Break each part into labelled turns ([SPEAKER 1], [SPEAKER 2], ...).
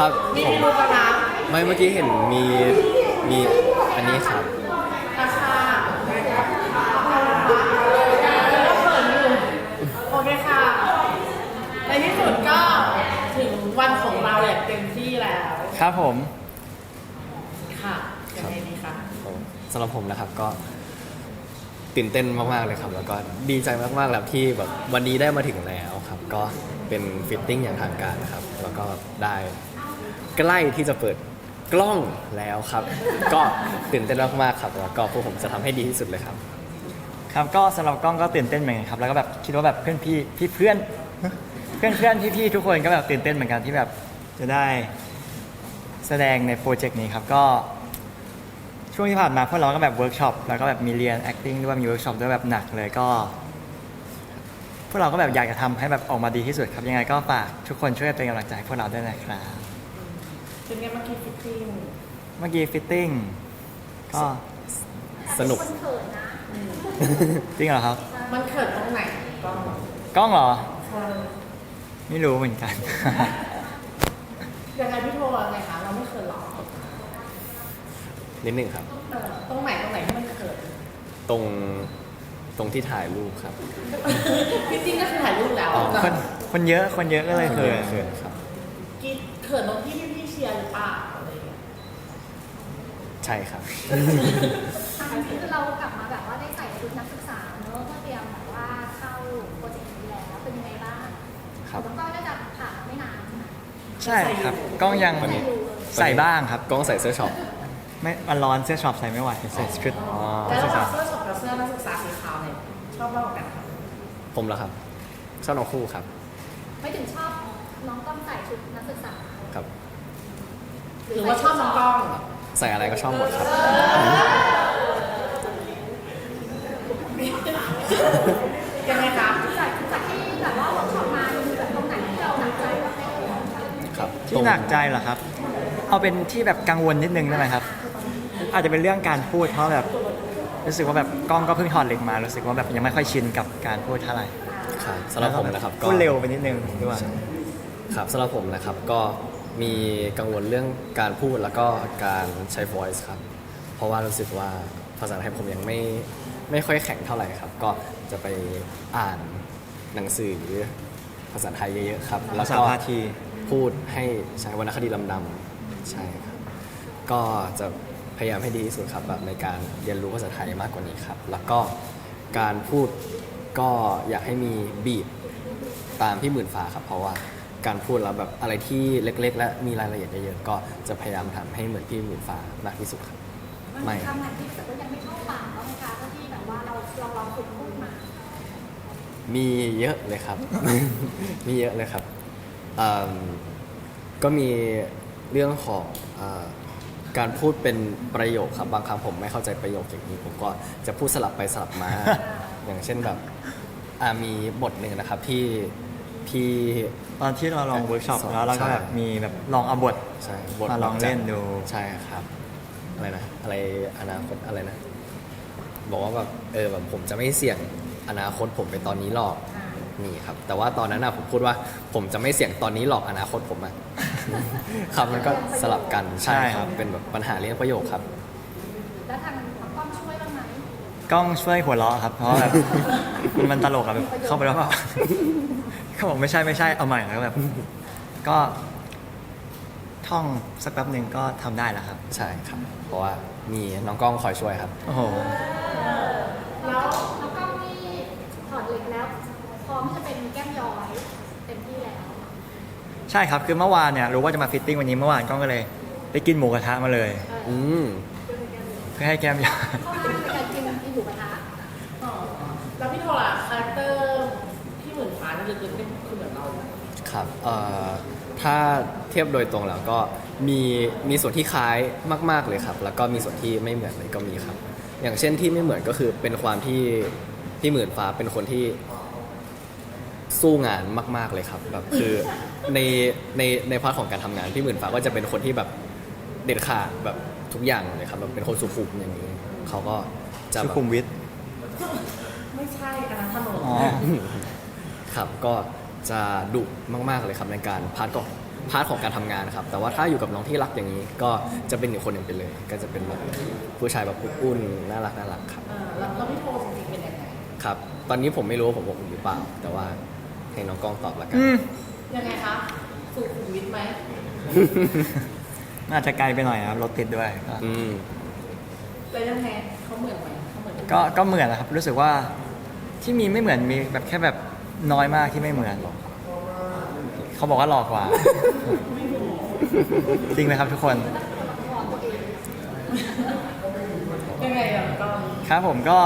[SPEAKER 1] ครับ
[SPEAKER 2] มี
[SPEAKER 1] ผม
[SPEAKER 2] รูปนะ
[SPEAKER 1] ไม่เมื่อกี้เห็นมีอันนี้ครับ
[SPEAKER 2] ราคาโอเคค่ะในที่สุดก็ถึงวันของเราอย่างเต็มที่แล้ว
[SPEAKER 3] ครับผม
[SPEAKER 2] ค่ะยังไงดีคะ
[SPEAKER 1] สำหรับผมนะครับก็ตื่นเต้นมากๆเลยครับ แล้วก็ดีใจมากๆแล้วที่แบบวันนี้ได้มาถึงแล้วครับ ก็เป็นฟิตติ้งอย่างทางการนะครับ แล้วก็ได้ใกล้ที่จะเปิดกล้องแล้วครับ ก็ตื่นเต้นมากๆครับแล้วก็พวกผมจะทำให้ดีที่สุดเลยครับ
[SPEAKER 3] ครับก็สำหรับกล้องก็ตื่นเต้นเหมือนกันครับแล้วก็แบบคิดว่าแบบเพื่อนเพื่อนพี่ทุกคนก็แบบตื่นเต้นเหมือนกันที่แบบจะได้แสดงในโปรเจกต์นี้ครับก็ช่วงที่ผ่านมาพวกเราก็แบบเวิร์กช็อปแล้วก็แบบมีเรียน acting ด้วยมีเวิร์กช็อปด้วยแบบหนักเลยก็พวกเราก็แบบอยากจะทำให้แบบออกมาดีที่สุดครับยังไงก็ฝากทุกคนช่วยเป็นกำลังใจให้พวกเราด้วยนะครับ
[SPEAKER 2] เป็นไงเมื่อกี้ฟิตติ้ง
[SPEAKER 3] เมื่อกี้ฟิตติ้งก็
[SPEAKER 1] สนุก
[SPEAKER 3] จริงเหรอครับ
[SPEAKER 2] มันเขินตรงไหนก็
[SPEAKER 3] กล้องเหรอไม่รู้เหมือนกัน
[SPEAKER 2] ยังไงพี่โทรอะไรคะเราไม่เขินหรอ
[SPEAKER 1] นิดหนึ่งครับ
[SPEAKER 2] ตรงไหนที่มันเขิน
[SPEAKER 1] ตรงที่ถ่ายรูปครับ
[SPEAKER 2] ฟิตติ้งก็คือถ่ายรูปแล้ว
[SPEAKER 1] อ๋อ
[SPEAKER 3] คนเยอะก็เลยเขิน
[SPEAKER 1] เขินครับ
[SPEAKER 2] กิ๊ดเขินตรงที่พี่เชียร์หรือเปล่าอะไรอย่างเงี้ย
[SPEAKER 1] ใช่ครับ
[SPEAKER 4] อันนี้คือเรากลับมาแบบว่าได้ใส่ชุดนักศึกษาเนอะเพื่อเตรียมแบบว่าเข้าโปรเจกต์นี้แล้วเป็นยังไงบ้าง
[SPEAKER 1] ครับ
[SPEAKER 4] แล้วก็น่าจะผ่านมาไม่นานใช่ไหม
[SPEAKER 3] ใช่ครับกล้องยัง
[SPEAKER 1] วันนี้
[SPEAKER 3] ใส่บ้างครับ
[SPEAKER 1] กล้องใส่เสื้อช็อป
[SPEAKER 3] ไม่มันร้อนเสื้อช็อปใส่ไม่ไหวใส่ชุด
[SPEAKER 1] อ๋อ
[SPEAKER 2] แล้วระหว่างเสื้อช็อปกับเสื้อนักศึกษาสีขาวเนี่ยชอบมากกว่ากันคะ
[SPEAKER 1] ผมเหรอครับชอบน้องคู่ครับ
[SPEAKER 4] ไม่ถึงชอบน้องต้องใส่ชุดนักศึกษา
[SPEAKER 1] ครับ
[SPEAKER 2] หรือว่าชอบน้องกล้อง
[SPEAKER 1] ใส่อะไรก็ชอบหมดครับ
[SPEAKER 2] ยังไงคะ
[SPEAKER 4] จากที่แบบว่าเวิร์กช็อปมามีแบบตรงไหนที่เราหนักใจบ้างไหม
[SPEAKER 1] ครับ
[SPEAKER 3] ที่หนักใจเหรอครับ เอาเป็นที่แบบกังวลนิดนึงได้ไหมครับ อาจจะเป็นเรื่องการพูดเพราะแบบรู้สึกว่าแบบกล้องก็เพิ่งถอดเหล็กมารู้สึกว่าแบบยังไม่ค่อยชินกับการพูดเท่าไหร่
[SPEAKER 1] ครับสำหรับผมนะครับก็
[SPEAKER 3] พูดเร็วไปนิดนึงด้วย
[SPEAKER 1] ครับสำหรับผมนะครับก็มีกังวลเรื่องการพูดแล้วก็การใช้ voice ครับ เพราะว่ารู้สึกว่าภาษาไทยผมยังไม่ค่อยแข็งเท่าไหร่ครับ ก็จะไปอ่านหนังสือภาษาไทยเยอะๆครับ แล้ว
[SPEAKER 3] ภาษา
[SPEAKER 1] ก็
[SPEAKER 3] พาที
[SPEAKER 1] พูดให้ใช้วรรณคดีลำดำใช่ครับ ก็จะพยายามให้ดีที่สุดครับแบบในการเรียนรู้ภาษาไทยมากกว่านี้ครับ แล้วก็การพูดก็อยากให้มีบีทตามพี่หมื่นฟ้าครับ เพราะว่าการพูดแล้วแบบอะไรที่เล็ก ๆ และมีรายละเอียดเยอะๆก็จะพยายามทำให้เหมือนพี่หมื่นฟ้ามากที่สุดครับ
[SPEAKER 4] มันมีคำไหนที่รู้สึกว่ายังไม่เข้าปากบ้างไหมคะที่แบบว่าเราลองฝึกพูดมา
[SPEAKER 1] มีเยอะเลยครับ มีเยอะเลยครับเอิ่มก็มีเรื่องของการพูดเป็นประโยคครับบางครั้งผมไม่เข้าใจประโยคอย่างนี้ผมก็จะพูดสลับไปสลับมา อย่างเช่นแบบมีบทหนึ่งนะครับที่
[SPEAKER 3] ตอนที่เราลองเวิร์กช็อปแล้วเราก็แบบมีแบบลองเอาบท
[SPEAKER 1] ใช่บท
[SPEAKER 3] มาลองเล่นดู
[SPEAKER 1] ใช่ครับอะไรนะอะไรอนาคตอะไรนะ บอกว่าแบบแบบผมจะไม่เสี่ยงอนาคตผมไปตอนนี้หรอกนี่ครับ แต่ว่าตอนนั้นผมพูดว่าผมจะไม่เสี่ยงตอนนี้หรอกอนาคตผมอะ ครับมันก็สลับกันใช่ครับเป็นแบบปัญหาเรื่องประโยคครับ
[SPEAKER 4] แล้วทางกล้องช่วยบ้างไหม
[SPEAKER 3] กล้องช่วยหัวเราะครับ เพราะว่าแบบ มันตลกอะแบบเข้าไปแล้วก็ เขาบอกไม่ใช่เอาใหม่แล้วแบบ ก็ท่องสักแป๊บหนึ่งก็ทำได้แล้วครับ
[SPEAKER 1] ใช่ครับ เพราะว่ามีน้องกล้องคอยช่วยครับ
[SPEAKER 3] โอ้โห
[SPEAKER 4] แล้วกล้องนี่ถอดเหล็กแล้วพร้อมที่จะเป็นแก้มย้อยเต็มที่แล้ว
[SPEAKER 3] ใช่ครับ คือเมื่อวานเนี่ยรู้ว่าจะมาฟิตติ้งวันนี้เมื่อวานกล้องก็เลยไปกินหมูกระทะมาเลย
[SPEAKER 1] อืม
[SPEAKER 3] เพื่อให้แก้มยาว
[SPEAKER 4] เข้ามาในการกินหมูกระทะ
[SPEAKER 2] อ๋อแล้วพี่โทรล่ะคาแรคเตอร์พี่หมื่นฟ้านี่ลึกๆนี่คือเหมือนเราเลย
[SPEAKER 1] ครับถ้าเทียบโดยตรงแล้วก็มีส่วนที่คล้ายมากๆเลยครับ แล้วก็มีส่วนที่ไม่เหมือนเลยก็มีครับ อย่างเช่นที่ไม่เหมือนก็คือเป็นความที่พี่หมื่นฟ้าเป็นคนที่สู้งานมากๆเลยครับแบบคือในพาร์ทของการทำงานพี่หมื่นฟ้าก็จะเป็นคนที่แบบเด็ดขาดแบบทุกอย่างเลยครับแบบเป็นคนสุขุมอย่างนี้เขาก็จะ
[SPEAKER 3] สุ
[SPEAKER 1] แบบ
[SPEAKER 3] ขุมวิท
[SPEAKER 2] ไม่ใช่อันนั้นถนน
[SPEAKER 3] อ๋อ
[SPEAKER 1] ครับก็จะดุมากๆเลยครับในการพาร์ทพาร์ทของการทำงานครับ แต่ว่าถ้าอยู่กับน้องที่รักอย่างนี้ ก็จะเป็นอีกคนหนึ่งไปเลย ก็จะเป็นแบบผู้ชายแบบอุ่นๆน่ารักครับ
[SPEAKER 2] แล้วพี่โทจริงๆเป็นยังไง
[SPEAKER 1] ครับ ตอนนี้ผมไม่รู้ว่าผมอบอุ่นหรือเปล่า แต่ว่าให้น้องกล้องตอบละกัน
[SPEAKER 2] ยังไงคะสุขุมวิทไหม
[SPEAKER 3] อาจจะไกลไปหน่อยครับรถติดด้วยก็
[SPEAKER 1] อืม
[SPEAKER 2] แล้วยังไงเขาเหมือนไหมเขาเหมือน
[SPEAKER 3] ก็เหมือนนะครับ รู้สึกว่าที่มีไม่เหมือนมีแบบแค่แบบน้อยมากที่ไม่เหมือนเขาบอกว่าหลอกกว่า จริงไหมครับทุกคน
[SPEAKER 2] ยังไงอ่ะก็
[SPEAKER 3] ครับผมก็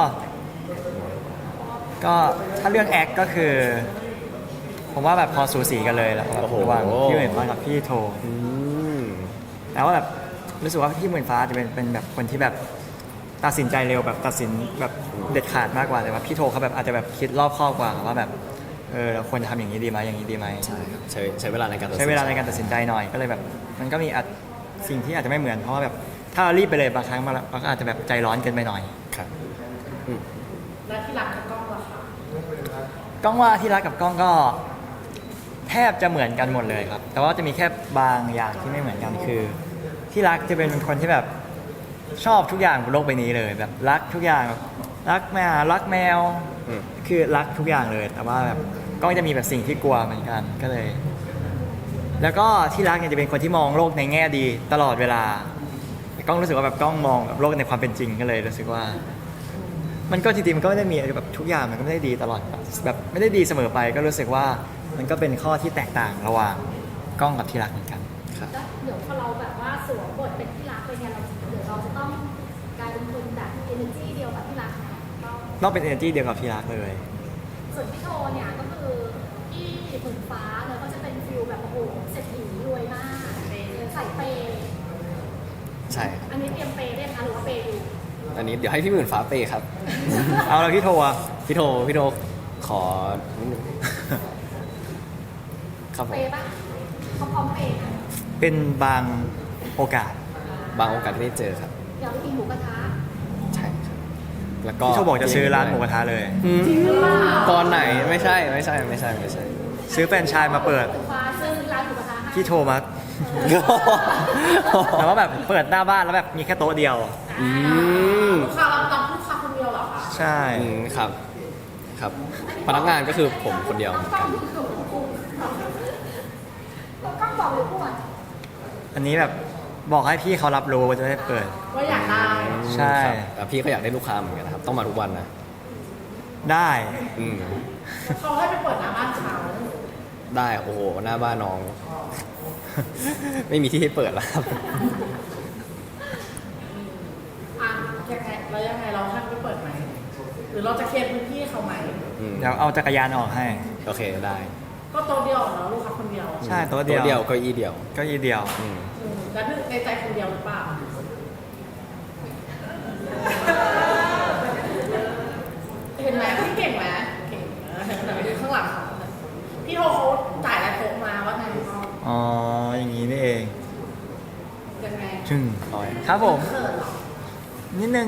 [SPEAKER 3] ถ้าเรื่องแอคก็คือ ผมว่าแบบพอสูสีกันเลยแล้วแบบ
[SPEAKER 1] โอ้โห
[SPEAKER 3] ระหว่างพี่หมื่นฟ้ากับพี่โท
[SPEAKER 1] อืม
[SPEAKER 3] แต่ว่าแบบรู้สึกว่าพี่หมื่นฟ้าจะเป็นแบบคนที่แบบตัดสินใจเร็วแบบตัดสินแบบเด็ดขาดมากกว่าแต่ว่าพี่โทเขาแบบอาจจะแบบคิดรอบคอบกว่าว่าแบบเราควรทำอย่างนี้ดีไหมอย่างนี้ดีไหม
[SPEAKER 1] ใช่ครับใช้เวลาในการตัดสิน
[SPEAKER 3] ใช้เวลาในการตัดสินใจหน่อยก็เลยแบบ มันก็มีสิ่งที่อาจจะไม่เหมือนเพราะว่าแบบถ้าเรารีบไปเลยบางครั้งเราก็อาจจะแบบใจร้อนเกินไปหน่อย
[SPEAKER 1] ครับ
[SPEAKER 2] แล้วที่รักกับกล้องล่ะคะ
[SPEAKER 3] กล้องว่าที่รักกับกล้องก็แทบจะเหมือนกันหมดเลยครับ แต่ว่าจะมีแค่บางอย่างที่ไม่เหมือนกันคือ ที่รักจะเป็นคนที่แบบชอบทุกอย่างบนโลกใบนี้เลยแบบรักทุกอย่างแบบรักแมวรักแมว
[SPEAKER 1] อืม
[SPEAKER 3] คือรักทุกอย่างเลย แต่ว่าแบบกล้องจะมีแบบสิ่งที่กลัวเหมือนกันก็เลย แล้วก็ที่รักเนี่ยจะเป็นคนที่มองโลกในแง่ดีตลอดเวลาแต่กล้องรู้สึกว่าแบบกล้องมองแบบโลกในความเป็นจริงก็เลยรู้สึกว่า มันก็จริงๆมันก็ไม่ได้มีแบบทุกอย่างมันก็ไม่ได้ดีตลอดแบบไม่ได้ดีเสมอไป ก็รู้สึกว่ามันก็เป็นข้อที่แตกต่างระหว่างกล้องกับที่รักเหมือนกัน
[SPEAKER 1] ครับ
[SPEAKER 4] แล้วเดี๋ยวพอเราแบบว่าสวมบทเป็นที่รักไปเนี่ยเดี๋ยวเราจะต้องกลายเป็นคนแบบ energy เดียวกับที่รักนะต้อง
[SPEAKER 3] ต้องเป็น energy เดียวกับที่รักเลย
[SPEAKER 4] ส่วนพี่โทเนี่ยก็คือที่หมื่นฟ้าเนี่ยก็จะเป็นฟิลแบบโอ้โหเศรษฐีรวยมากใส่เปย์
[SPEAKER 1] ใช่ครับ
[SPEAKER 4] อันนี้เตรียมเปย์ได้ไหมคะหรือว่าเปย์อยู่
[SPEAKER 1] อันนี้เดี๋ยวให้พี่หมื่นฟ้าเปย์ครับ
[SPEAKER 3] เอาแล้วพี่โทอะ
[SPEAKER 1] พี่โทขอนิดนึงครับผ
[SPEAKER 4] เป
[SPEAKER 1] ม
[SPEAKER 4] ย์ปะเขาพร้อมเปย์นะ
[SPEAKER 3] เป็นบางโอกาส
[SPEAKER 1] บางโอกาสที่ได้เจอครับ
[SPEAKER 4] อยากไปกินหมูกระทะ
[SPEAKER 1] ใช่ครับ แล้วก็
[SPEAKER 3] พี่โทบอกจะซื้อร้านหมูกระทะเลย
[SPEAKER 1] อืมตอนไหนไม่ใช่
[SPEAKER 3] ซื้อแฟรนไชส์มาเปิด
[SPEAKER 4] หมื่นฟ้าซื้อร้านหมูกระทะให้
[SPEAKER 3] พี่โทมาแต่ว่าแบบเปิดหน้าบ้านแล้วแบบมีแค่โต๊ะเดียว
[SPEAKER 1] อืม
[SPEAKER 2] ลูกค้าเรารับลูกค้าคนเดียวเหรอคะ
[SPEAKER 3] ใช่
[SPEAKER 1] อืมครับ ครับ พนักงานก็คือผมคนเดียวเหมือนกัน
[SPEAKER 4] ก็บอกเลยพูด
[SPEAKER 3] อันนี้แบบบอกให้พี่เขารับรู้ว่าจะได้เปิด
[SPEAKER 2] ว่าอยากได้
[SPEAKER 3] ใช่
[SPEAKER 1] ครับแต่พี่ก็อยากได้ลูกค้าเหมือนกันนะครับ ต้องมาทุกวันนะ
[SPEAKER 3] ได้
[SPEAKER 1] อืม
[SPEAKER 2] เขาให้ไปเปิดหน้าบ้านเขา
[SPEAKER 1] ได้ โอ้โห หน้าบ้านน้อง ไม่มีที่ให้เปิดแล้วครับ
[SPEAKER 2] อ่ะยังไงแล้วยังไงเราให้ไปเปิดไหมหรือเราจะเคลียร์พื้นที่ให้เขาไหม
[SPEAKER 1] อืม
[SPEAKER 3] เดี๋ยวเอาจักรยานออกให้
[SPEAKER 1] โอเคได้
[SPEAKER 2] ก็โต๊ะเดียวเนาะลูกค้าคนเดียว
[SPEAKER 3] ใช่โต๊ะ
[SPEAKER 1] ตัว
[SPEAKER 3] เดี
[SPEAKER 1] เดี
[SPEAKER 3] ย
[SPEAKER 1] ยว วเก็อีเดียว
[SPEAKER 3] เก็ยีเดียว
[SPEAKER 1] อืม
[SPEAKER 2] แล้วในใจคนเดียวหรือเปล่าเห็นไหมพี่เก่งไหมเก่งแต่ไปดูข้างหลังเขาพี่โทเขาจ่ายอะไรโทรมาว่าไง
[SPEAKER 3] อ๋อ อย่างนี้นี่เอง
[SPEAKER 2] ยังไง
[SPEAKER 3] ชึ่ง
[SPEAKER 1] น้อย
[SPEAKER 3] ครับผม
[SPEAKER 2] เขินเหรอ
[SPEAKER 3] นิดนึง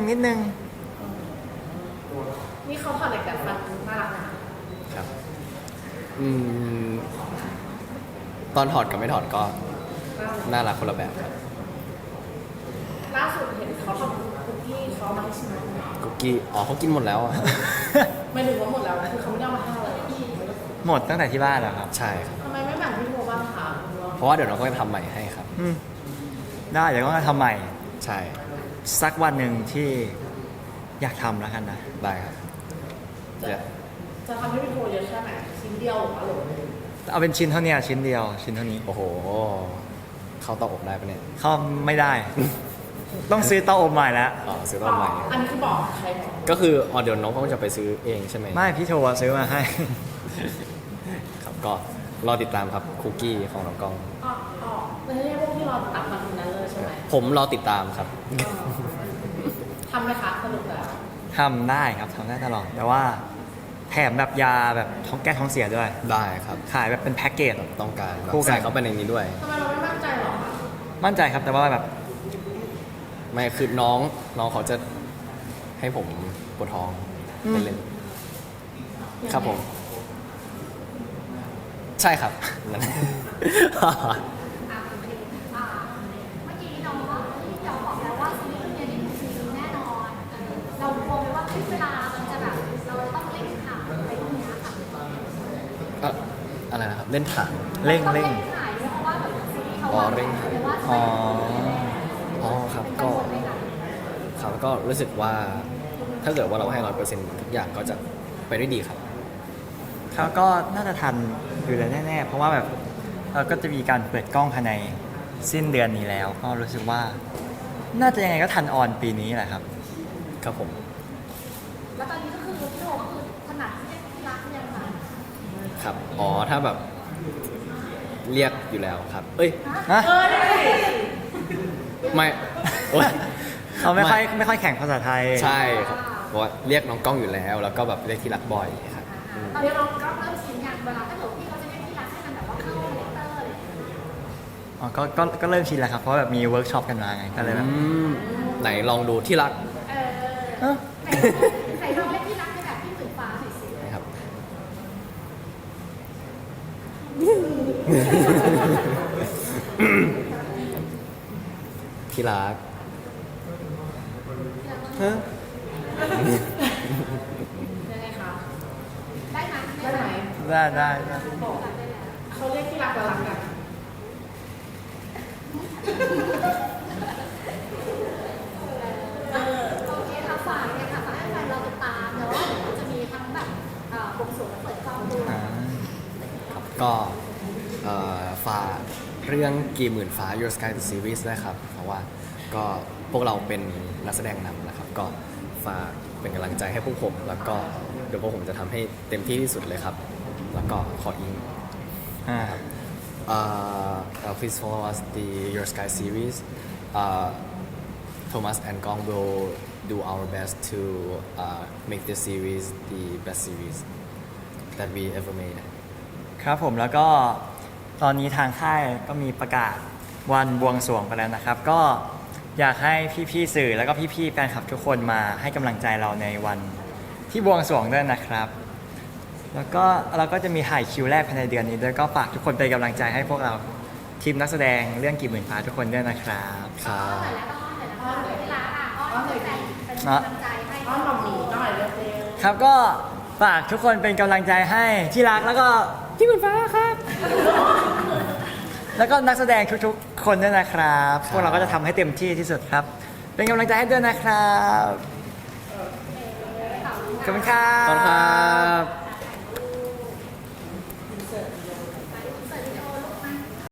[SPEAKER 2] นี่เขาถอดเหล็กแต่ฟันน่ารักนะ
[SPEAKER 1] ครับ อืม ตอนถอดกับไม่ถอดก็น่ารักคนละแบบครับ
[SPEAKER 2] ล่าสุดเห็นเขาทำคุกกี้เขาเอามาให้ชิม
[SPEAKER 1] คุกกี้ อ๋อเขากินหมดแล้วอ่ะ
[SPEAKER 2] ไม่ถึงว่าหมดแล้วคือเขาไม่ได้เอามาให้เราเลย
[SPEAKER 3] หมดตั้งแต่ที่บ้านแล้วครับ
[SPEAKER 1] ใช่ครับ
[SPEAKER 2] ทำไมไม่แบ่งพี่โทบ้างคะ
[SPEAKER 1] เพราะว่าเดี๋ยวน้องก็จะทำใหม่ให้ครับ
[SPEAKER 3] อืมได้เดี๋ยวก็ทำใหม่
[SPEAKER 1] ใช่
[SPEAKER 3] สักวันหนึ่งที่อยากทำแล้วกันนะ
[SPEAKER 1] ได้ครับ
[SPEAKER 2] จะ
[SPEAKER 1] เดี๋ยว
[SPEAKER 2] จะทำให้พี่โทเยอะแค่ไหนชิ้นเดียวหรือว่าหรือ
[SPEAKER 3] เอาเป็นชิ้นเท่านี้ชิ้นเดียวชิ้นเท่านี้
[SPEAKER 1] โอ้โห เข้าเตาอบได้ปะเนี่ย
[SPEAKER 3] เข้าไม่ได้ ต้องซื้อเตาอบใหม่แล้ว
[SPEAKER 1] อ๋อซื้อเตาอบใหม่
[SPEAKER 2] อันนี้คือบอกใครบอก
[SPEAKER 1] ก็คืออ๋อเดี๋ยวน้องก็จะไปซื้อเองใช่ไหม
[SPEAKER 3] ไม่พี่โทรซื้อมาให้
[SPEAKER 1] ครับก็รอติดตามครับคุกกี้ของน้องกล้อง
[SPEAKER 2] อ๋ออ๋อไม่ใช่พวกที่เราตัดมาทีนั้นเลยใช่ไหม
[SPEAKER 1] ผมรอติดตามครับ
[SPEAKER 2] ทำไหมคะสรุปแล้ว
[SPEAKER 3] ทำได้ครับทำได้ตลอด แต่ว่าแถมแบบยาแบบท้องแก้ท้องเสียด้วย
[SPEAKER 1] ได้ครับ
[SPEAKER 3] ขายแบบเป็นแพ็กเกจ
[SPEAKER 1] ต้องการแบบ
[SPEAKER 3] คู่กัน
[SPEAKER 1] ใส่เข้าไปในนี้ด้วย
[SPEAKER 2] ทำไมเราไม่มั่นใจหรอคะ
[SPEAKER 3] มั่นใจครับแต่ว่าแบบ
[SPEAKER 1] ไม่คือน้องเขาจะให้ผมปวดท้องเล่นๆครับผม ใช่ครับนั่นเล่นถัง
[SPEAKER 3] เร่ง
[SPEAKER 4] ต้อง
[SPEAKER 3] เร่ง
[SPEAKER 4] ถ่ายด้วยเพราะว่าแบบซีรีส์เขา
[SPEAKER 1] อ๋อเร่ง
[SPEAKER 4] หรือว่า
[SPEAKER 3] อ๋อ
[SPEAKER 1] อ๋อครับ
[SPEAKER 4] เป็น
[SPEAKER 1] ก็
[SPEAKER 4] กังวลไหมคะ
[SPEAKER 1] ครับก็รู้สึกว่าถ้าเกิดว่าเราให้100%ทุกอย่างก็จะไปได้ดีครับ
[SPEAKER 3] เขาก็น่าจะทันอยู่แล้วแน่ๆ เพราะว่าแบบก็จะมีการเปิดกล้องภายในสิ้นเดือนนี้แล้ว ก็รู้สึกว่า น่าจะยังไงก็ทันออนปีนี้แหละครับ
[SPEAKER 1] ครับผม
[SPEAKER 4] แล้วตอนนี้ก็คือพี่โทก็คือถนัดที่เรียกที่รักยังไง
[SPEAKER 1] ครับอ๋อถ้าแบบเรียกอยู่แล้วครับ เอ้ย
[SPEAKER 3] ฮะ
[SPEAKER 1] ไม่โอ๊ย
[SPEAKER 3] เขาไม่ค่อยแข่งภาษาไทย
[SPEAKER 1] ใช่ครับเพราะว่าเรียกน้องกล้องอยู่แล้ว แล้วก็แบบเรียกที่รักบ่อยครับอืม
[SPEAKER 4] ตอนนี้เราก็เริ่มชินอย่างเวลาถ้าเกิดพี่เขาจะเรียกที่รักให้มันแบบว่าเข้าคาแรคเตอร์อะไรอย่างเงี้ย
[SPEAKER 3] อ๋อก็เริ่มชินแล้วครับ เพราะแบบมีเวิร์กช็อปกันมาไง ก็เลยแบบ
[SPEAKER 1] ไหนลองดูที่รัก
[SPEAKER 4] เออใครลองเรียกที่รักในแบบพี่หมื่นฟ้าหน่อยสิ
[SPEAKER 1] นะครับ ที่รักฮะ
[SPEAKER 2] ยังไงคะ
[SPEAKER 4] ได้ไหม
[SPEAKER 2] ได้ไหม
[SPEAKER 3] ได้
[SPEAKER 2] เขาเรียกที่รักเรารักกัน
[SPEAKER 4] โอเคค่ะฝากเลยค่ะฝากให้แฟนเราติดตามเนาะเดี๋ยวจะมีทั้งแบบบวงสรวงและเปิดกล้องด้วย
[SPEAKER 1] ครับก็ฝากเรื่องกี่หมื่นฟ้า Your Sky the Series ด้วยครับ เพราะว่าก็พวกเราเป็นนักแสดงนำนะครับ ก็ฝากเป็นกำลังใจให้พวกผม แล้วก็เดี๋ยวพวกผมจะทำให้เต็มที่ที่สุดเลยครับ แล้วก็ขออิง please follow us the Your Sky series. Thomas and Gong will do our best to make this series the best series that we ever made.
[SPEAKER 3] ครับผมแล้วก็ตอนนี้ทางค่ายก็มีประกาศวันบวงสรวงไปแล้วนะครับ ก็อยากให้พี่ๆสื่อแล้วก็พี่ๆแฟนคลับทุกคนมาให้กำลังใจเราในวันที่บวงสรวงด้วยนะครับ แล้วก็เราก็จะมีถ่ายคิวแรกภายในเดือนนี้ด้วยก็ฝากทุกคนเป็นกำลังใจให้พวกเราทีมนักแสดงเรื่องกี่หมื่นฟ้าทุกคนด้วยนะครับ
[SPEAKER 1] ครับ
[SPEAKER 4] อ้อนเลยละอ้อนเลยแฟนเป็นกำลังใจให้
[SPEAKER 2] อ้อนหม่อมหมีหน่อยเร็ว
[SPEAKER 3] ครับก็ฝากทุกคนเป็นกำลังใจให้ที่รักแล้วก็ที่หมื่นฟ้าครับ แล้วก็นักแสดงทุกๆคนด้วยนะครับพวกเราก็จะทำให้เต็มที่ที่สุดครับ เป็นกำลังใจให้ด้วยนะครับขอบคุณครั
[SPEAKER 1] ขอบคุณครับ
[SPEAKER 2] ๆ